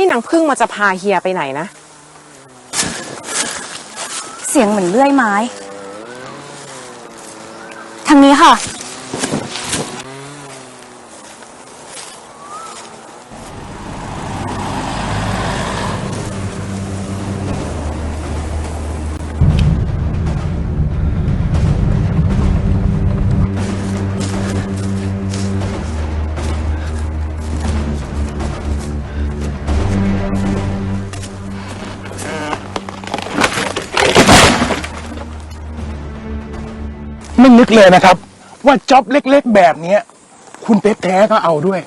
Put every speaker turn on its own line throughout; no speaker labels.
นางพึ่งมาจะพาเฮียไปไหนนะ
เสียงเหมือนเลื่อยไม้ทางนี้ค่ะ
ไม่นึกเลยนะครับว่าจ็อบเล็กๆแบบนี้คุณเพชรแท้ก็เอาด้วย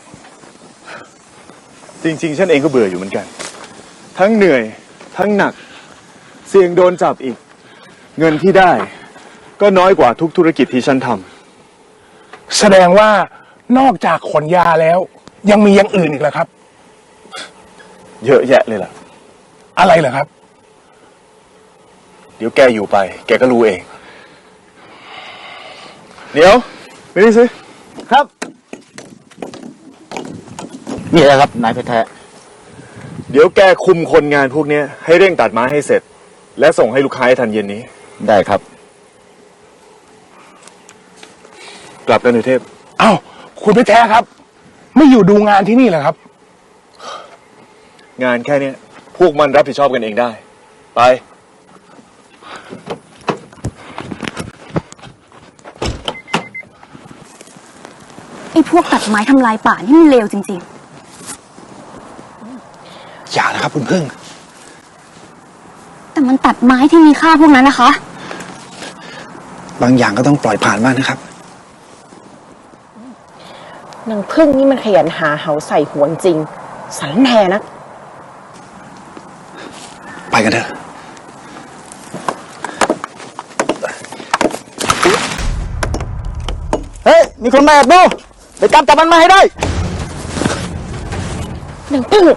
จริงๆฉันเองก็เบื่ออยู่เหมือนกันทั้งเหนื่อยทั้งหนักเสี่ยงโดนจับอีกเงินที่ได้ก็น้อยกว่าทุกธุรกิจที่ฉันทำ
แสดงว่านอกจากขนยาแล้วยังมีอย่างอื่นอีกเหรอครับ
เยอะแยะเลยล่ะ
อะไรเหรอครับ
เดี๋ยวแกอยู่ไปแกก็รู้เองเดี๋ยวไม่ได้สิครับ
นี่แหละครับนายเพชรแท้
เดี๋ยวแกคุมคนงานพวกนี้ให้เร่งตัดไม้ให้เสร็จและส่งให้ลูกค้าให้ทันเย็นนี้
ได้ครับ
กลับกันเถอะเทพ
อ้าวคุณเพชรแท้ครับไม่อยู่ดูงานที่นี่เหรอครับ
งานแค่นี้พวกมันรับผิดชอบกันเองได้ไป
ไอ้พวกตัดไม้ทำลายป่านี่มันเลวจริง
ๆอย่านะครับคุณพึ่ง
แต่มันตัดไม้ที่มีค่าพวกนั้นนะคะ
บางอย่างก็ต้องปล่อยผ่านบ้างนะครับ
นางพึ่งนี่มันขยันหาเหาใส่หัวจริงสันแหนะ
ไปกันเถอะ
เฮ้ยมีคนมาแอบดูไปจับมันมาให้ได้
นางพึ่ง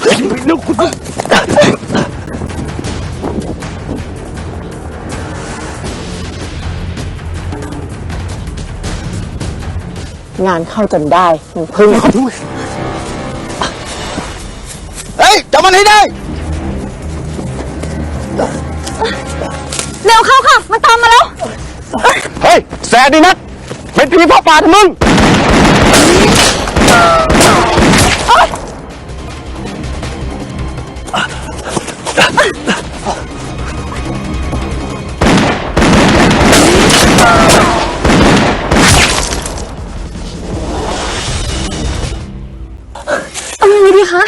งานเข้าจนได้นางพึ่ง
เฮ้ยจับมันให้ได้
เร็วเข้าค่ะมันตามมาแล้ว
เฮ้ยแสบดีนักเป็นผีพ่อป่าทมึง
เอายังไงดีคะ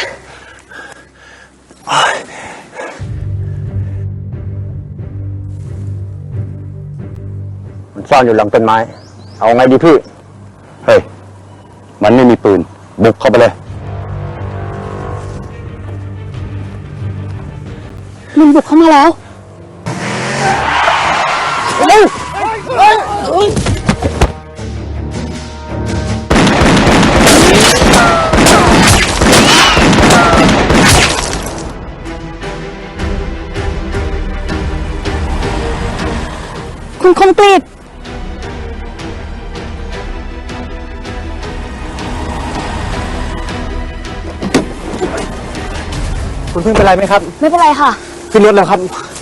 มันซ่อนอยู่หลังต้นไม้เอาไงดีพี่เฮ้ยมันไม่มีปืนบุกเข้าไปเลย
มันบุกเข้ามาแล้ว
เร็ว
คุณคมกฤษ
คุณพึ่งเป็นไรไหมครับ
ไม่เป็นไรค่ะ
ขึ้นรถแล้วครับ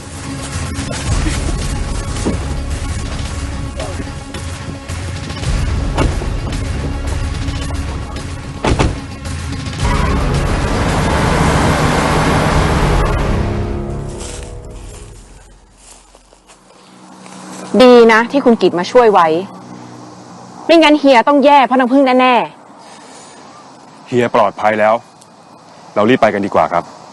ดีนะที่คุณกิตมาช่วยไว้ไม่งั้นเฮียต้องแย่เพราะนางพึ่งแน่
เฮียปลอดภัยแล้วเรารีบไปกันดีกว่าครับ